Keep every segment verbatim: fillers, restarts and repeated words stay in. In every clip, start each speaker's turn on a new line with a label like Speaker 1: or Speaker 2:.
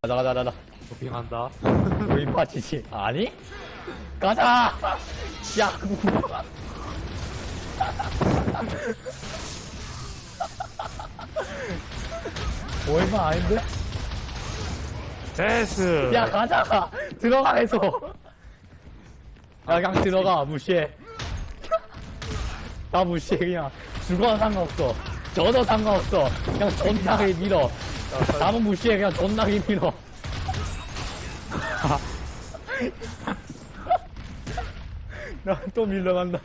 Speaker 1: 가자 가자 가자.
Speaker 2: 도핑한다.
Speaker 1: 우리 파티지. 아니? 가자. 야. 얼마 아닌데?
Speaker 3: 데스.
Speaker 1: 야 가자. 들어가 해서. 야 그냥 들어가. 무시해. 나 무시해 그냥. 죽어도 상관없어. 저도 상관없어. 그냥 존나게 밀어. 남은 무시해 그냥 존나게 밀어. 나 또 밀려간다.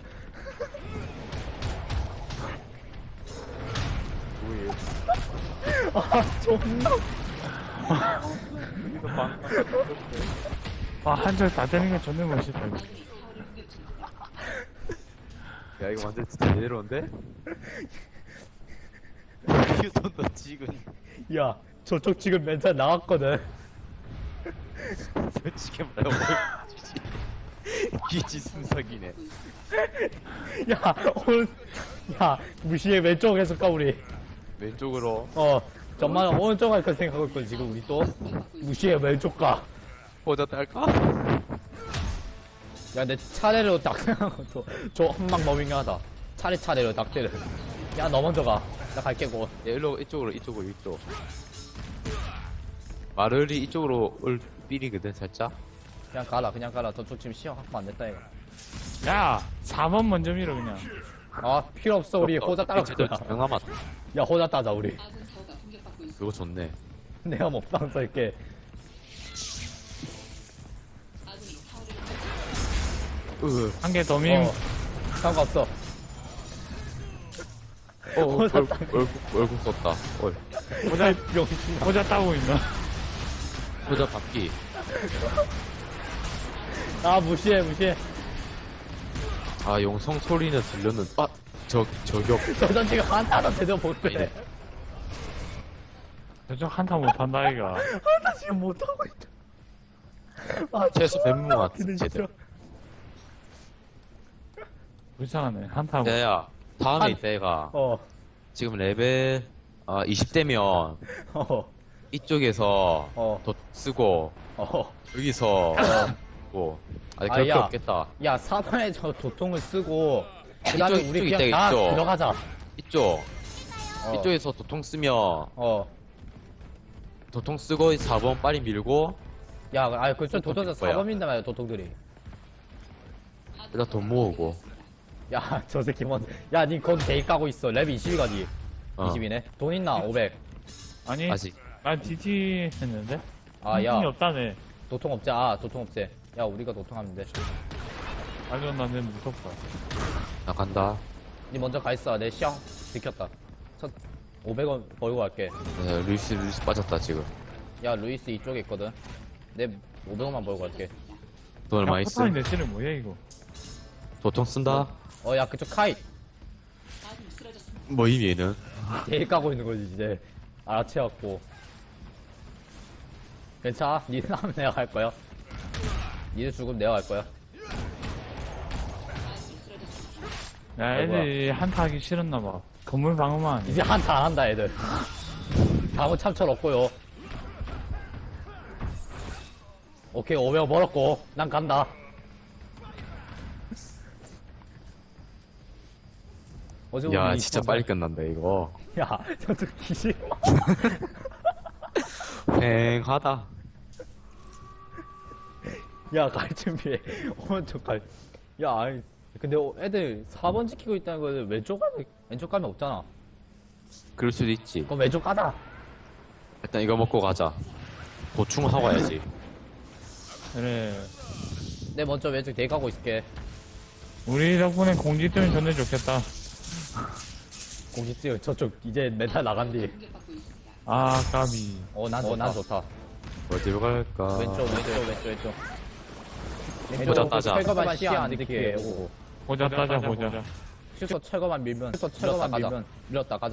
Speaker 2: 뭐예요?
Speaker 1: 아 존나.
Speaker 2: 여기서 방.
Speaker 3: 아, 한절 다 되는 게 존나 멋있다. 이거.
Speaker 2: 야 이거 완전 진짜 제대로인데? 휴톤도 지금
Speaker 1: 야 저쪽 지금 멘탈 나왔거든.
Speaker 2: 솔직히 말하면 기지 순삭이네.
Speaker 1: 야 오늘 야 무시해 왼쪽에서 까 우리.
Speaker 2: 왼쪽으로
Speaker 1: 어 정말 오른쪽 갈 거 생각하고 있거든 지금 우리 또. 무시해 왼쪽 가.
Speaker 2: 보자 딸까?
Speaker 1: 야 내 차례로 딱 생각하고 저 한방 머밍하다. 차례차례로 딱 때려. 야 너 먼저 가. 나 갈게 고.
Speaker 2: 야 일로 이쪽으로 이쪽으로 이쪽. 마를이 이쪽으로 올 삘이거든 살짝.
Speaker 1: 그냥 가라 그냥 가라. 저쪽 지금 시험 확보 안 됐다 이거.
Speaker 3: 야, 사 번 먼저 밀어, 그냥.
Speaker 1: 아 필요 없어 우리 호자 따라
Speaker 2: 쟤들
Speaker 1: 거야.
Speaker 2: 두명 남았다.
Speaker 1: 야 호자 따자 우리.
Speaker 2: 그거 좋네.
Speaker 1: 내가 먹방 쏠게.
Speaker 2: 으.
Speaker 3: 한 개 더 밀면.
Speaker 1: 어 상관없어.
Speaker 2: 어, 어 얼굴 얼굴 얼굴 썼다. 얼.
Speaker 3: 보자,
Speaker 1: 병신.
Speaker 3: 보자 따고 있나?
Speaker 2: 보자 바퀴.
Speaker 1: 아 무시해 무시해.
Speaker 2: 아 용성 소리는 들렸는. 아저 저격.
Speaker 1: 저전 지금 한타도 제대로 못 빼.
Speaker 2: 아니네.
Speaker 3: 저쪽 한타 못한다, 이가.
Speaker 1: 나 지금 못하고 있다. 아,
Speaker 2: 최소 뱀무 같은
Speaker 1: 근데
Speaker 2: 쟤들.
Speaker 1: 진짜.
Speaker 3: 불쌍하네, 한타 못.
Speaker 2: 야야 다음에
Speaker 1: 한-
Speaker 2: 이따 얘가
Speaker 1: 어,
Speaker 2: 지금 레벨 아 이십 대면
Speaker 1: 어,
Speaker 2: 이쪽에서
Speaker 1: 어,
Speaker 2: 더 쓰고
Speaker 1: 어.
Speaker 2: 여기서 뭐 아니
Speaker 1: 아,
Speaker 2: 그럴 게
Speaker 1: 야.
Speaker 2: 없겠다.
Speaker 1: 야, 사번에 저 도통을 쓰고, 그 다음에
Speaker 2: 이쪽,
Speaker 1: 우리
Speaker 2: 이쪽
Speaker 1: 그냥
Speaker 2: 있다,
Speaker 1: 다
Speaker 2: 이쪽.
Speaker 1: 들어가자.
Speaker 2: 이쪽
Speaker 1: 어,
Speaker 2: 이쪽에서 도통 쓰면
Speaker 1: 어.
Speaker 2: 도통 쓰고 사 번 빨리 밀고
Speaker 1: 야, 아, 그쪽 도통에서
Speaker 2: 뭐야?
Speaker 1: 사번 민다 말이야, 도통들이.
Speaker 2: 일단 돈 모으고.
Speaker 1: 야, 저 새끼 먼저. 야, 니 거기 데이 까고 있어. 랩이 이십이가 니.
Speaker 2: 어.
Speaker 1: 이십이네. 돈 있나? 오백.
Speaker 3: 아니,
Speaker 2: 아직
Speaker 3: 난 디티 했는데?
Speaker 1: 아, 야.
Speaker 3: 돈이 없다네.
Speaker 1: 도통 없지? 아, 도통 없지. 야, 우리가 도통하면 돼.
Speaker 3: 아주 나는 무섭다.
Speaker 2: 나 간다.
Speaker 1: 니 먼저 가 있어. 내 시험 지켰다. 첫 오백 원 벌고 갈게.
Speaker 2: 네, 루이스 루이스 빠졌다 지금.
Speaker 1: 야, 루이스 이쪽에 있거든. 내 오백 원만 벌고 갈게.
Speaker 2: 돈 얼마
Speaker 3: 야,
Speaker 2: 있어?
Speaker 3: 포탄이 내 실은 뭐야, 이거?
Speaker 2: 도통 쓴다.
Speaker 1: 어, 야, 그쪽 카이.
Speaker 2: 뭐임 얘는?
Speaker 1: 데이 까고 있는 거지, 이제. 알아채갖고. 괜찮아? 니는 하면 내가 갈 거야. 니는 죽으면 내가 갈 거야.
Speaker 3: 야, 애들이 한타 하기 싫었나봐. 건물 방어만.
Speaker 1: 이제 한타 안 한다, 애들. 다음은 참철 없고요. 오케이, 오백 원 벌었고. 난 간다. 어제
Speaker 2: 야
Speaker 1: 우리
Speaker 2: 진짜
Speaker 1: 이천
Speaker 2: 빨리 끝난다 이거.
Speaker 1: 야, 저쪽 기실.
Speaker 2: 횡하다.
Speaker 1: 야, 갈 준비해. 오른쪽 갈. 야, 아니. 근데 어, 애들 사 번 지키고 있다는 거는 왼쪽 가면, 왼쪽 가면 없잖아.
Speaker 2: 그럴 수도 있지.
Speaker 1: 그럼 왼쪽 가자.
Speaker 2: 일단 이거 먹고 가자. 보충하고 가야지.
Speaker 3: 그래.
Speaker 1: 내 먼저 왼쪽 대기 가고 있을게.
Speaker 3: 우리 덕분에 공지 뜨면 존나 좋겠다.
Speaker 1: 공식지 저쪽 이제 멘탈 나간디.
Speaker 3: 아, 까비.
Speaker 1: 어, 난, 어, 난 좋다.
Speaker 2: 어디로 갈까?
Speaker 1: 왼쪽, 왼쪽, 왼쪽, 왼쪽.
Speaker 2: 보자, 따자.
Speaker 1: 철거만 시야 안 듣게 오고.
Speaker 3: 보자, 따자, 보자.
Speaker 1: 슈터 철거만 밀면, 슈터 철거만 밀면, 밀었다, 가자.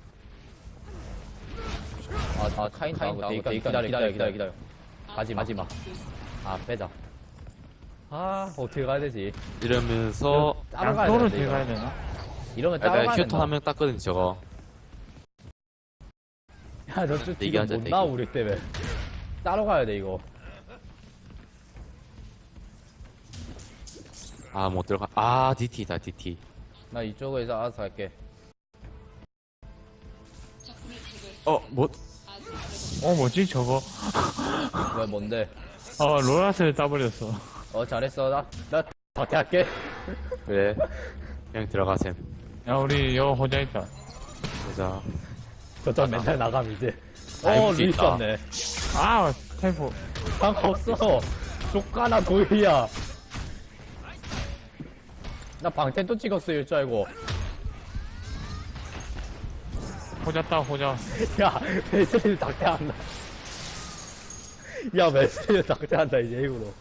Speaker 1: 아, 아, 카인, 카인, 기다려, 기다려, 기다려, 기다려, 기다려. 가지 마, 가지 마. 아, 빼자. 아, 어떻게 가야 되지?
Speaker 2: 이러면서
Speaker 1: 따로 가야
Speaker 3: 양도를
Speaker 1: 되는데,
Speaker 3: 들어가야
Speaker 1: 이거.
Speaker 3: 되나?
Speaker 1: 이러면
Speaker 2: 아,
Speaker 1: 따로
Speaker 2: 내가
Speaker 1: 가야
Speaker 2: 휴터
Speaker 1: 된다.
Speaker 2: 한 명 땄거든 저거.
Speaker 1: 야, 저쪽 지금
Speaker 2: 대기하자,
Speaker 1: 못 나와,
Speaker 2: 대기.
Speaker 1: 우리 때문에. 따로 가야 돼, 이거.
Speaker 2: 아, 못 들어가. 아, 디티다, 디티.
Speaker 1: 나 이쪽에서 알아서 할게.
Speaker 2: 어, 뭐,
Speaker 3: 어, 뭐지, 저거?
Speaker 1: 왜, 뭔데?
Speaker 3: 어, 로라스를 따버렸어.
Speaker 1: 어, 잘했어. 나, 나, 밖에 할게.
Speaker 2: 그래. 그냥 들어가셈.
Speaker 3: 야, 우리 여 호자 있다.
Speaker 2: 보자.
Speaker 1: 저쪽 멘탈 나감, 이제.
Speaker 2: 아이고,
Speaker 1: 어, 루이스
Speaker 2: 있다.
Speaker 1: 왔네.
Speaker 3: 아, 템포.
Speaker 1: 상관없어. 족가나 도일이야. 나 방템 또 찍었어, 일줄 알고.
Speaker 3: 호자 따, 호자.
Speaker 1: 야, 웨슬리를 닥대한다. 야, 웨슬리를 닥대한다, 이제 일부러.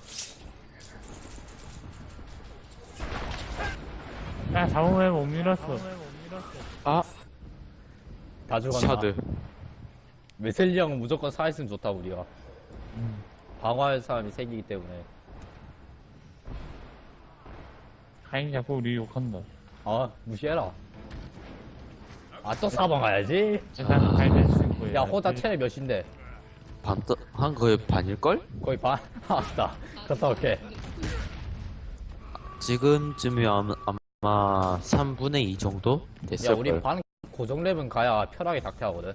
Speaker 3: 야, 잡으면 못 밀었어.
Speaker 2: 아,
Speaker 1: 다 죽었나?
Speaker 2: 샤드.
Speaker 1: 웨슬리 형은 무조건 살아있으면 좋다, 우리가. 방어할 사람이 생기기 때문에.
Speaker 3: 카인이 자꾸 우리 욕한다.
Speaker 1: 아, 무시해라. 아, 또 사방 가야지?
Speaker 3: 일단 카인을 신고
Speaker 1: 야, 호자 체력 몇인데?
Speaker 2: 반, 떠, 한 거의 반일걸?
Speaker 1: 거의 반? 아싸. 갔다 올게.
Speaker 2: 지금쯤이면 아마 삼분의 이 정도
Speaker 1: 야,
Speaker 2: 됐을걸.
Speaker 1: 우리 반 고정 랩은 가야 편하게 닥태하거든.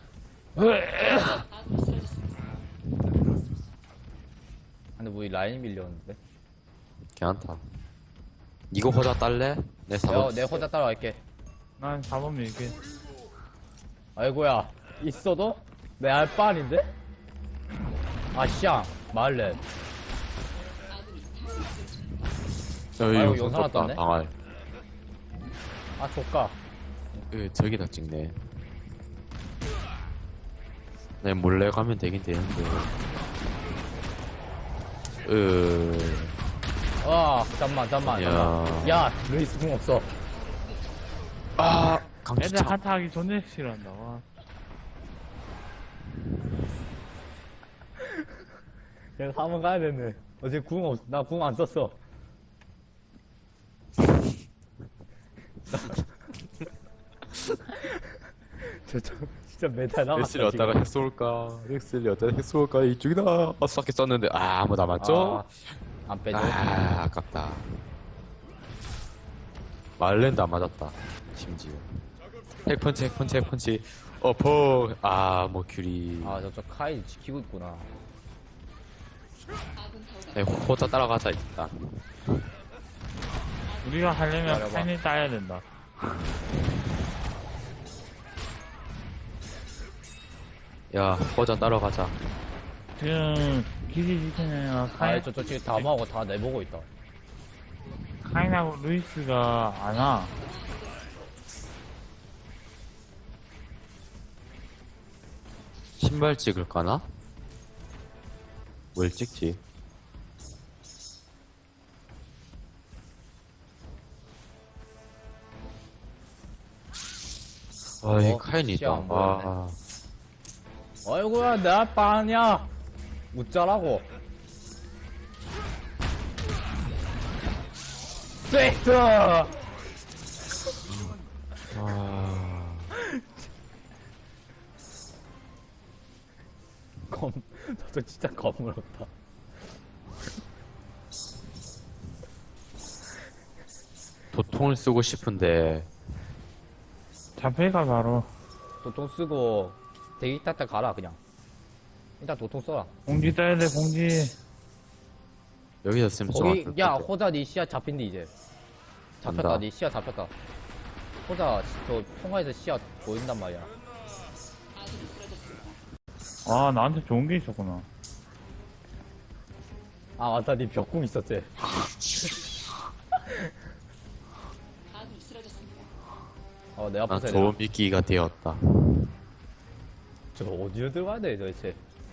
Speaker 1: 근데 우리 라인이 밀렸는데.
Speaker 2: 괜찮다. 이거 호자 딸래? 내
Speaker 1: 야,
Speaker 2: 사번.
Speaker 1: 내 호자 따라갈게.
Speaker 3: 난 사 번 밀게.
Speaker 1: 아이고야, 있어도? 내 알바 아닌데? 아, 씨앙, 말렛.
Speaker 2: 여기
Speaker 1: 아이고,
Speaker 2: 영상
Speaker 1: 영상
Speaker 2: 떴다,
Speaker 1: 왔던데?
Speaker 2: 방알.
Speaker 1: 아, 조까.
Speaker 2: 으, 저기다 찍네. 내 몰래 가면 되긴 되는데. 으,
Speaker 1: 아, 잠만, 잠만,
Speaker 2: 야.
Speaker 1: 잠만. 야, 루이스 궁 없어.
Speaker 2: 아,
Speaker 3: 애들
Speaker 2: 강추차.
Speaker 3: 한타 하기 존나 싫어한다. 와.
Speaker 1: 그냥 한번 가야 되네. 어제 궁 없, 나 궁 안 썼어. 저, 저, 진짜 메탈 나갔다.
Speaker 2: 엑슬이 어디다가 핵 쏠까? 엑슬이 어디다가 핵 쏠까? 이쪽이다. 어, 쐈게 썼는데, 아, 아무도 안 맞죠?
Speaker 1: 아, 안 빼줘.
Speaker 2: 아, 아깝다. 말렌도 안 맞았다. 심지어. 핵펀치, 핵펀치, 핵펀치. 어, 퍽. 아, 뭐, 큐리.
Speaker 1: 아, 저쪽 카이 지키고 있구나.
Speaker 2: 네, 호자 따라가자, 일단.
Speaker 3: 우리가 하려면
Speaker 1: 기다려봐.
Speaker 3: 카인을 따야 된다.
Speaker 2: 야, 호자 따라가자.
Speaker 3: 지금 기지 지키면
Speaker 1: 아,
Speaker 3: 카인,
Speaker 1: 저쪽 지금 다 모으고 다 내보고 있다.
Speaker 3: 카인하고 루이스가 안 와.
Speaker 2: 신발 찍을까나? 뭘 찍지? 아, 이
Speaker 1: 어,
Speaker 2: 카인이다.
Speaker 1: 시야 안 보였네.
Speaker 2: 아,
Speaker 1: 아이고야, 내 아빠 아니야. 웃자라고. 스웨이트!
Speaker 2: 아,
Speaker 1: 검, 저쪽 진짜 검을 없다.
Speaker 2: 도통을 쓰고 싶은데,
Speaker 3: 잡혀가 바로.
Speaker 1: 도통 쓰고, 대기 타타 가라, 그냥. 일단 도통 써라.
Speaker 3: 공지 따야 돼, 공지.
Speaker 2: 여기서 쓰면 좀
Speaker 1: 거기,
Speaker 2: 아깝다.
Speaker 1: 야, 호자 니 시야 잡힌디, 이제. 잡혔다,
Speaker 2: 간다.
Speaker 1: 니 시야 잡혔다. 호자, 저, 통화에서 시야 보인단 말이야.
Speaker 3: 아, 나한테 좋은 게 있었구나.
Speaker 1: 아, 맞다, 니 벽궁 있었지. 어, 내
Speaker 2: 난
Speaker 1: 앞에서
Speaker 2: 좋은 미끼가 되었다.
Speaker 1: 저거 어디로 들어가야 돼, 도대체?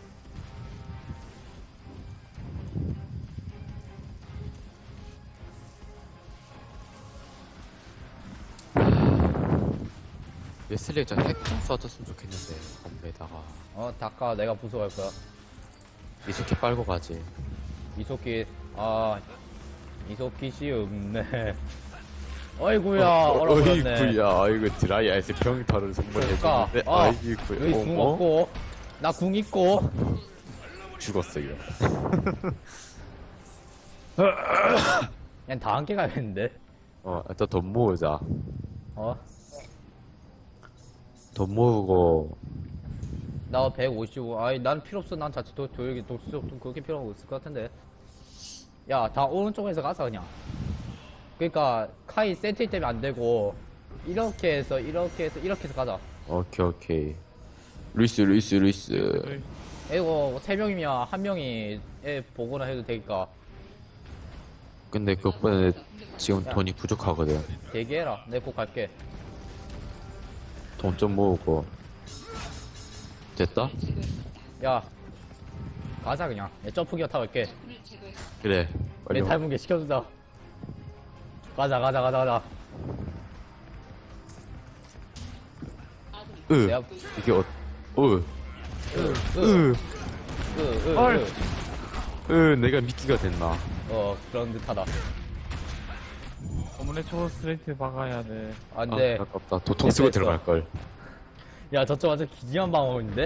Speaker 2: 웨슬리 저 핵좀 쏴줬으면 좋겠는데, 건배다가.
Speaker 1: 어, 닦아, 내가 부숴갈 거야.
Speaker 2: 이렇게 빨고 가지.
Speaker 1: 이소키, 아, 이소키씨 없네. 어이구야, 얼어버렸네.
Speaker 2: 어이구야, 아이고, 드라이 아이스 평타를
Speaker 1: 그러니까,
Speaker 2: 선물해주는데,
Speaker 1: 아,
Speaker 2: 아이구야.
Speaker 1: 여기 궁
Speaker 2: 어, 어?
Speaker 1: 없고, 나 궁 있고,
Speaker 2: 죽었어 이거.
Speaker 1: 그냥 다 함께 가야겠는데?
Speaker 2: 어, 일단 돈 모으자.
Speaker 1: 어?
Speaker 2: 돈 모으고
Speaker 1: 나 백오십오. 아이, 난 필요 없어. 난 자체 도, 도역이, 독수도 그렇게 필요가 없을 것 같은데. 야, 다 오른쪽에서 가자, 그냥. 그니까, 카이 세트 때문에 안 되고, 이렇게 해서, 이렇게 해서, 이렇게 해서 가자.
Speaker 2: 오케이 오케이. 루이스 루이스 루이스.
Speaker 1: 이거, 세 명이면 한 명이 애 보거나 해도 되니까,
Speaker 2: 근데 그것보다 지금 돈이 부족하거든.
Speaker 1: 대기해라. 내 꼭 갈게.
Speaker 2: 돈 좀 모으고. 됐다?
Speaker 1: 야, 가자, 그냥. 내 점프기어 타고 갈게.
Speaker 2: 그래. 빨리
Speaker 1: 내
Speaker 2: 와.
Speaker 1: 닮은 게 시켜주자. 가자, 가자, 가자, 가자.
Speaker 2: 으.
Speaker 1: 내가,
Speaker 2: 이게 어. 으.
Speaker 1: 으, 으,
Speaker 2: 으.
Speaker 1: 으, 으,
Speaker 3: 헐.
Speaker 1: 으.
Speaker 2: 으. 내가 미끼가 됐나?
Speaker 1: 어, 그런 듯하다.
Speaker 3: 어머니 초 스트레이트 박아야 돼.
Speaker 1: 안
Speaker 2: 아,
Speaker 1: 돼.
Speaker 2: 아깝다. 도통 쓰고
Speaker 1: 됐어.
Speaker 2: 들어갈 걸.
Speaker 1: 야, 저쪽 완전 기지한 방어인데?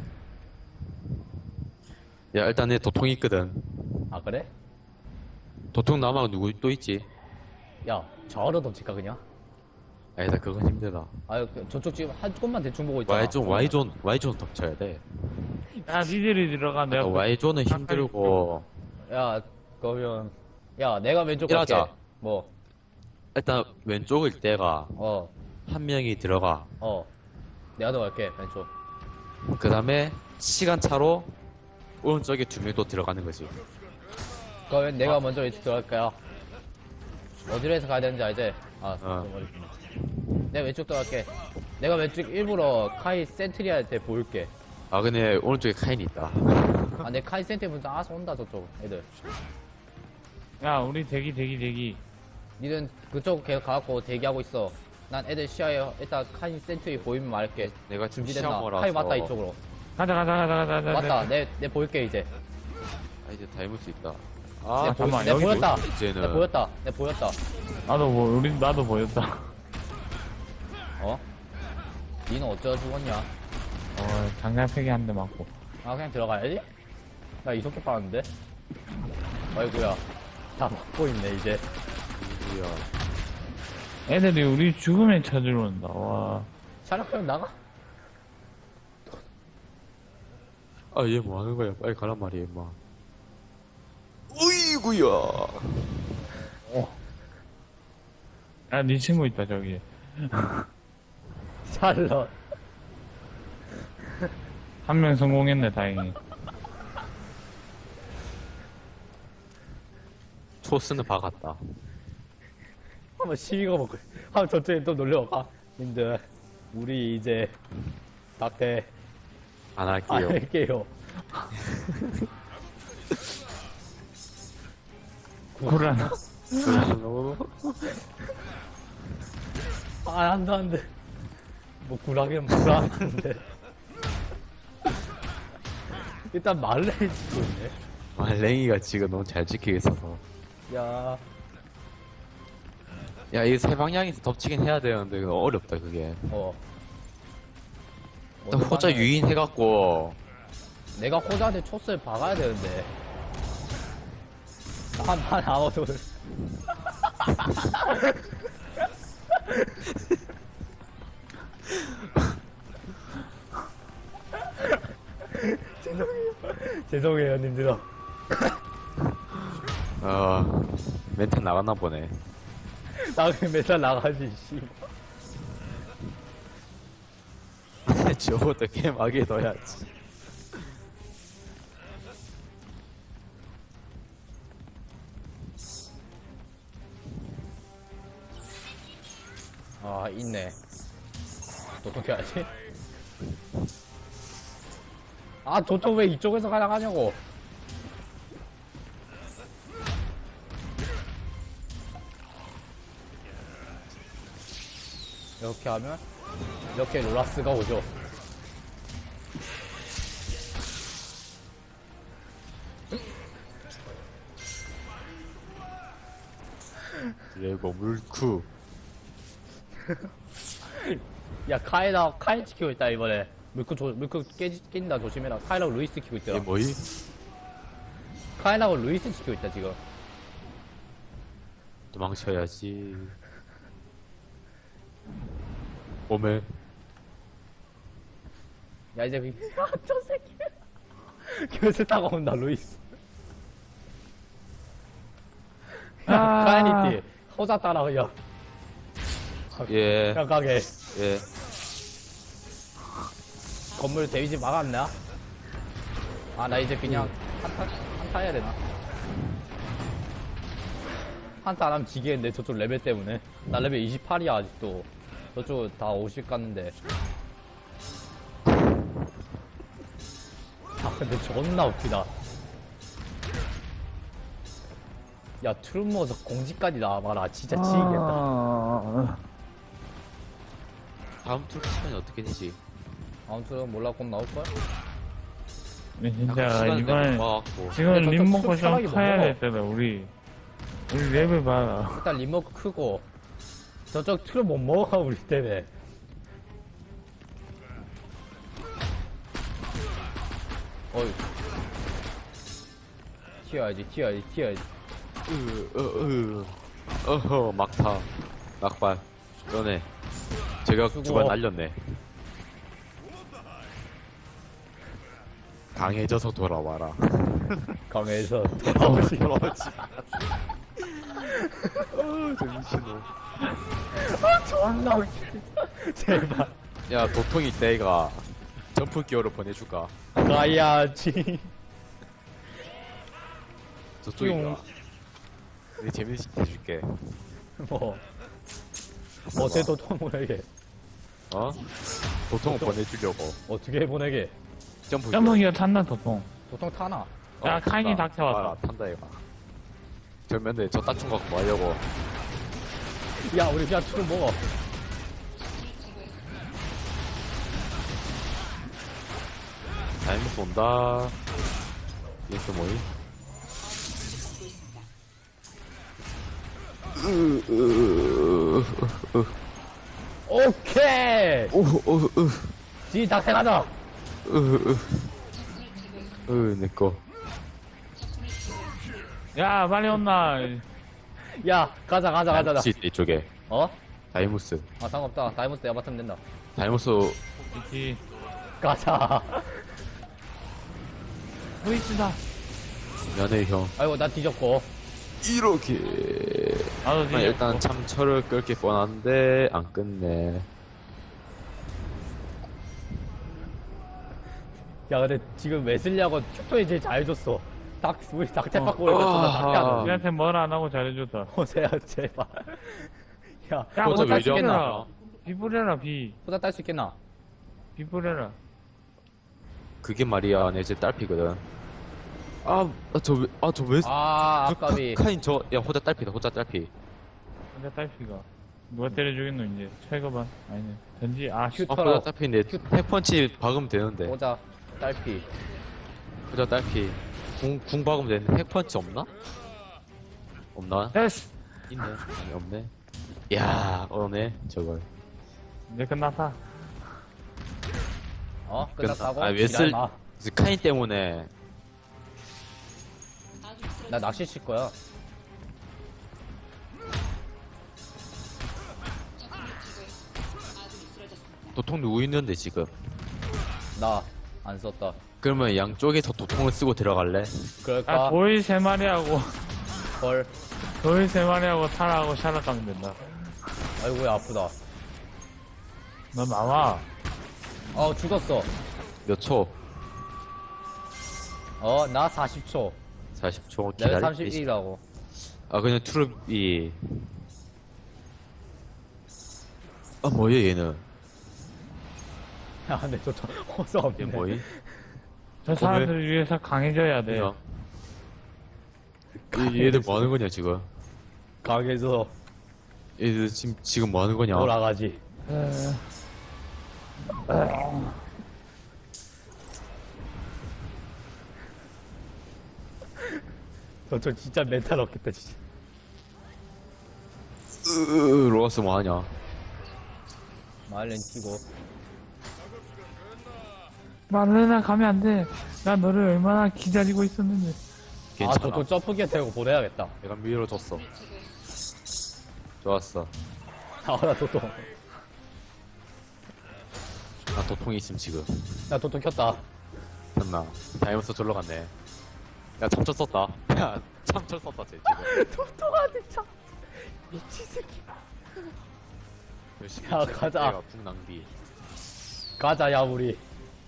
Speaker 2: 야, 일단 내 도통 있거든.
Speaker 1: 아, 그래?
Speaker 2: 도통 남아 누구 또 있지?
Speaker 1: 야, 저로 던질까, 그냥?
Speaker 2: 아니다, 그건 힘들다.
Speaker 1: 아유, 그, 저쪽 지금 한 곳만 대충 보고 있잖아.
Speaker 2: Y존, Y존, Y존 덮쳐야 돼.
Speaker 3: 야, 니들이 들어가. 내가
Speaker 2: 어, Y존은 힘들고,
Speaker 1: 야, 그러면, 야, 내가 왼쪽 갈게.
Speaker 2: 이러자.
Speaker 1: 뭐,
Speaker 2: 일단 왼쪽일 때가
Speaker 1: 어,
Speaker 2: 한 명이 들어가.
Speaker 1: 어. 내가 더 갈게, 왼쪽.
Speaker 2: 그 다음에 시간차로 오른쪽에 두 명 또 들어가는 거지.
Speaker 1: 그러면 내가 먼저 왼쪽 들어갈까요? 어디로 해서 가야 되는지 알지? 아,
Speaker 2: 어.
Speaker 1: 좀 어렵구나. 내가 왼쪽 들어갈게. 내가 왼쪽 일부러 카이 센트리아한테 보일게.
Speaker 2: 아, 근데 오른쪽에 카인이 있다.
Speaker 1: 아, 내 카이 센트리 분장 알아서 온다, 저쪽, 애들.
Speaker 3: 야, 우리 대기, 대기, 대기.
Speaker 1: 니는 그쪽 계속 가갖고 대기하고 있어. 난 애들 시야에 일단 카이 센트리 보이면 말할게.
Speaker 2: 내가 지금
Speaker 1: 준비됐나?
Speaker 2: 시험어라서.
Speaker 1: 카이 맞다, 이쪽으로.
Speaker 3: 가자, 가자, 가자, 가자, 가자.
Speaker 1: 맞다, 내, 내 보일게, 이제.
Speaker 2: 아, 이제 닮을 수 있다.
Speaker 1: 내,
Speaker 2: 아,
Speaker 1: 보,
Speaker 3: 잠깐만,
Speaker 1: 내
Speaker 3: 여기
Speaker 1: 보였다.
Speaker 2: 뭐지, 이제는.
Speaker 1: 내 보였다. 내 보였다.
Speaker 3: 나도 뭐, 우리, 나도 보였다.
Speaker 1: 어? 니는 어쩌다 죽었냐?
Speaker 3: 어, 장난패기 한 대 맞고.
Speaker 1: 아, 그냥 들어가야지? 나 이속게 빠는데? 아이고야. 다 막고 있네, 이제.
Speaker 2: 뭐야.
Speaker 3: 애들이 우리 죽음에 찾으러 온다. 와.
Speaker 1: 차량하면 나가?
Speaker 2: 아, 얘 뭐 하는 거야? 빨리 가란 말이야, 임마. 어이구야.
Speaker 3: 야, 네 친구 있다, 저기.
Speaker 1: 샬럿.
Speaker 3: 한 명 성공했네, 다행히.
Speaker 2: 초스는 박았다.
Speaker 1: 한번 시비가 먹고, 한번 저쪽에 또 놀려가. 님들, 우리 이제, 낙태
Speaker 2: 안
Speaker 1: 안
Speaker 2: 할게요.
Speaker 1: 할게요.
Speaker 3: 구란.
Speaker 1: 아, 안 돼, 안 돼. 뭐, 구라기는 구라하는데. 일단 말레이 짓고 있네.
Speaker 2: 아, 랭이가 지금 너무 잘 지키고 있어서.
Speaker 1: 야,
Speaker 2: 야, 이 세 방향에서 덮치긴 해야 되는데, 그거 어렵다, 그게.
Speaker 1: 어.
Speaker 2: 일단 호자
Speaker 1: 어느
Speaker 2: 유인 해갖고,
Speaker 1: 방에- 내가 호자한테 초스를 박아야 되는데. 한판 아웃을. 죄송해요. 죄송해요, 님들아.
Speaker 2: 어, 멘탈 나갔나 보네.
Speaker 1: 나 그냥 맨날 나가지, 씨.
Speaker 2: 저것도 게임하게 넣어야지.
Speaker 1: 아, 있네. 또 어떻게 하지? 아, 저쪽 왜 이쪽에서 가져가냐고. 이렇게 하면, 이렇게 로라스가 오죠.
Speaker 2: 드래곤 물쿠.
Speaker 1: 야, 카에다, 카에 지키고 있다, 이번에. 물크 조, 물크 깨, 낀다, 조심해라. 카에랑 루이스 키고
Speaker 2: 얘
Speaker 1: 있더라.
Speaker 2: 뭐이?
Speaker 1: 카인하고 루이스 지키고 있다 지금.
Speaker 2: 도망쳐야지. 오메.
Speaker 1: 야 이제 그- 아, 저 새끼 교수 타고 온다 루이스.
Speaker 3: 아.
Speaker 1: 카인이 뒤 호자 따라 그냥
Speaker 2: 예.
Speaker 1: 그냥 가게.
Speaker 2: 예.
Speaker 1: 건물 데미지 막았나? 아 나 이제 그냥 한타 한타 해야 되나? 한타 안 하면 지겠는데 저쪽 레벨 때문에. 나 레벨 이십팔이야 아직도. 저쪽 다 오십 갔는데. 아 근데 존나 웃기다. 야 트루머서 공지까지 나와봐라. 진짜 지겠다.
Speaker 3: 아,
Speaker 2: 다음 투 시간이 어떻게 되지?
Speaker 1: 아무튼 몰라 곧 나올걸?
Speaker 3: 진짜
Speaker 2: 시간이
Speaker 3: 이번에
Speaker 2: 와갖고.
Speaker 3: 지금
Speaker 1: 근데
Speaker 3: 림
Speaker 1: 저쪽
Speaker 3: 먹고 좀
Speaker 1: 편하게
Speaker 3: 커야
Speaker 1: 먹어.
Speaker 3: 됐잖아 우리. 우리 레벨 봐라.
Speaker 1: 일단 리모크 크고 저쪽 트루 못 먹어 우리 때문에. 어이 튀어야지 튀어야지 튀어야지.
Speaker 2: 으, 으, 으. 어허, 막타. 막발. 너네. 제가
Speaker 1: 수고.
Speaker 2: 두 번 날렸네. 강해져서 돌아와라.
Speaker 1: 강에서 돌아오시.
Speaker 2: 돌아오지. 어, 정신호.
Speaker 1: 존나 웃기다. 제발
Speaker 2: 야, 도통이 때가 점프 기어로 보내줄까?
Speaker 1: 가야지.
Speaker 2: 저쪽인가? 내 재밌게 해줄게.
Speaker 1: 뭐 어제 도통 보내게.
Speaker 2: 어? 도통을 보내주려고.
Speaker 1: 어떻게 보내게.
Speaker 2: 점프 기어.
Speaker 3: 점프기가 탔나 도통.
Speaker 1: 도통 타나.
Speaker 3: 야, 카인이
Speaker 2: 탄다.
Speaker 3: 닥쳐왔다.
Speaker 2: 아, 탄다, 이거. 절면대 저 따춘 거 갖고 뭐 하려고.
Speaker 1: 야 우리 그냥 트루 먹어.
Speaker 2: 다이모스 온다. 이게 또 뭐이?
Speaker 1: 오케이.
Speaker 2: 오오으
Speaker 1: 지 닥쳐 가자.
Speaker 2: 으으 으 내꺼.
Speaker 3: 야, 빨리 온나.
Speaker 1: 야 가자 가자 가자. 가자.
Speaker 2: 다이모스 있다, 이쪽에.
Speaker 1: 어?
Speaker 2: 다이모스.
Speaker 1: 아 상관없다. 다이모스 내가 맡으면 된다.
Speaker 2: 다이모스
Speaker 3: 있지.
Speaker 1: 가자.
Speaker 3: 보이스다.
Speaker 2: 연애 형.
Speaker 1: 아이고 나 뒤졌고.
Speaker 2: 이렇게.
Speaker 3: 나도
Speaker 2: 아,
Speaker 3: 지금.
Speaker 2: 일단 참 철을 끌 게 뻔한데 안 끝내.
Speaker 1: 야 근데 지금 웨슬리하고 큐토이 제일 잘해줬어. 닥 우리 닥터
Speaker 3: 어.
Speaker 1: 받고 오니까 존나 닥터 하는.
Speaker 3: 우리한테 뭘 안 하고 잘해줬다.
Speaker 1: 호세야 제발. 야
Speaker 3: 야,
Speaker 2: 호자
Speaker 1: 호자
Speaker 2: 왜
Speaker 1: 딸수 있겠나?
Speaker 2: 이러나?
Speaker 3: 비 뿌려라, 비.
Speaker 1: 호자 딸 수 있겠나?
Speaker 3: 비 뿌려라.
Speaker 2: 그게 말이야, 내 제 딸피거든. 아, 아, 저, 왜- 아, 저 왜,
Speaker 1: 아
Speaker 2: 저
Speaker 1: 아까비.
Speaker 2: 카- 카인 저, 야, 호자 딸피다, 호자 딸피.
Speaker 3: 근데 딸피가. 누가 때려주겠노, 이제. 철거반. 아니네. 던지, 아, 슛.
Speaker 2: 아,
Speaker 1: 슈터로
Speaker 2: 호자 딸피인데, 핵펀치 박으면 되는데.
Speaker 1: 호자 딸피.
Speaker 2: 호자 딸피. 궁, 궁 박으면 되는데, 핵펀치 없나? 없나?
Speaker 3: 됐어!
Speaker 2: 있네. 아니, 없네. 야, 오네, 저걸.
Speaker 3: 이제 끝났다.
Speaker 1: 어 끝났다고?
Speaker 2: 아, 웨슬,
Speaker 1: 지랄마.
Speaker 2: 카인 때문에,
Speaker 1: 나 낚시 칠 거야.
Speaker 2: 도통 누구 있는데, 지금.
Speaker 1: 나 안 썼다.
Speaker 2: 그러면 양쪽에서 도통을 쓰고 들어갈래?
Speaker 1: 그럴까?
Speaker 3: 아, 도일 세 마리하고,
Speaker 1: 헐.
Speaker 3: 도일 세 마리하고 타라하고 샤락 가면 된다.
Speaker 1: 아이고야 아프다.
Speaker 3: 너 나와.
Speaker 1: 어 죽었어.
Speaker 2: 몇 초?
Speaker 1: 어 나 사십 초.
Speaker 2: 사십 초
Speaker 1: 레벨
Speaker 2: 기다려.
Speaker 1: 삼십일이라고.
Speaker 2: 아, 그냥 트룹이. 아, 뭐야, 얘는.
Speaker 1: 야 근데 저저 호수 없네.
Speaker 2: 얘 뭐이?
Speaker 3: 저 사람들 위해서 강해져야 돼.
Speaker 2: 그냥. 얘- 얘들 뭐 하는 거냐, 지금?
Speaker 1: 강에서
Speaker 2: 얘들 지금, 지금 뭐 하는 거냐?
Speaker 1: 돌아가지. 저저 진짜 멘탈 없겠다 진짜.
Speaker 2: 으, 로아스 뭐 하냐?
Speaker 1: 마일렌 튀고.
Speaker 3: 마르나 가면 안 돼. 나 너를 얼마나 기다리고 있었는데.
Speaker 2: 괜찮아.
Speaker 1: 도토 점프기에 대고 보내야겠다.
Speaker 2: 내가 밀어줬어. 좋았어.
Speaker 1: 아, 나 도토.
Speaker 2: 나 도통이 있음 지금.
Speaker 1: 나 도토 켰다.
Speaker 2: 됐나? 다이머스 졸러 갔네. 야 참철 썼다. 야 참철 썼다 쟤 지금.
Speaker 1: 도토가 진짜. 미친 새끼.
Speaker 2: 열심히
Speaker 1: 야,
Speaker 2: 쟤
Speaker 1: 가자.
Speaker 2: 내가 궁 낭비.
Speaker 1: 가자, 야, 우리.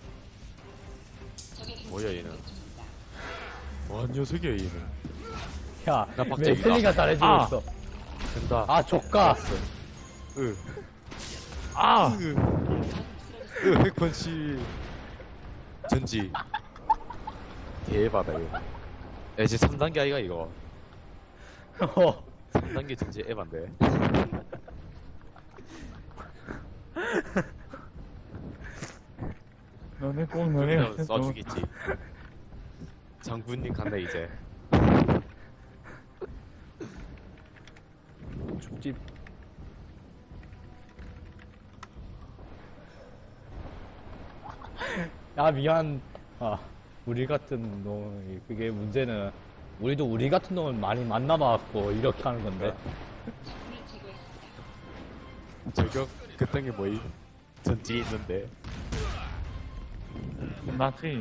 Speaker 2: 뭐야 얘는? 뭐한 녀석이야 얘는?
Speaker 1: 야,
Speaker 2: 나 박재기다.
Speaker 1: 웨슬리가 잘해주고
Speaker 3: 아.
Speaker 1: 있어.
Speaker 2: 된다.
Speaker 1: 아, 조카.
Speaker 2: 으.
Speaker 3: 아!
Speaker 2: 으. 으 핵펀치. 전지. 대박이다 이거. 야 이제 삼 단계 아이가 이거.
Speaker 1: 어.
Speaker 2: 삼 단계 전지 에반데.
Speaker 3: 너네 꼭 너네
Speaker 2: 그냥 쏴주겠지. 장군님 간다 이제.
Speaker 1: 죽집. 야, 미안. 아, 우리 같은 놈, 그게 문제는, 우리도 우리 같은 놈을 많이 만나봐갖고, 이렇게 하는 건데.
Speaker 2: 저격 그딴 게 뭐임? 전지 있는데.
Speaker 3: 끝났지.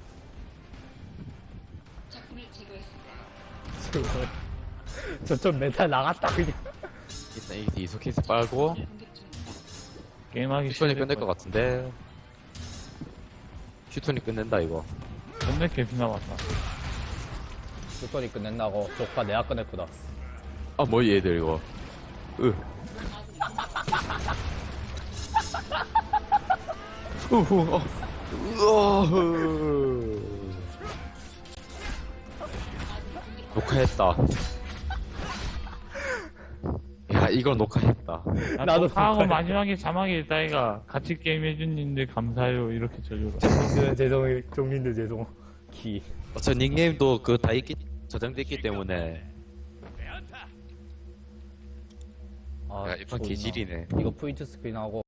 Speaker 1: 저쪽 멘탈 나갔다, 그냥.
Speaker 2: 일단 이 이소케이스 빨고
Speaker 3: 게임하기
Speaker 2: 슈톤이
Speaker 3: 싫을
Speaker 2: 끝낼 것
Speaker 3: 거야.
Speaker 2: 같은데. 슈톤이 끝낸다 이거.
Speaker 3: 존나 개피 남았다.
Speaker 1: 슈터리 끝낸다고, 조카 내가 끝냈구나.
Speaker 2: 아 뭐 얘들 이거. 으. 우후 어. 으어. 녹화했다. 야 이거 녹화했다.
Speaker 3: 나
Speaker 1: 나도
Speaker 3: 나도 하고
Speaker 1: 그거야.
Speaker 3: 마지막에 자막에 있다이가 같이 게임 해준님들 감사해요 이렇게 전류가.
Speaker 1: 종민들 죄송, 종민들 죄송. 기.
Speaker 2: 어차 닉네임도 그 다 있기 저장됐기 때문에.
Speaker 1: 아,
Speaker 2: 야 이판
Speaker 1: 존나.
Speaker 2: 개질이네.
Speaker 1: 이거 포인트 스크린하고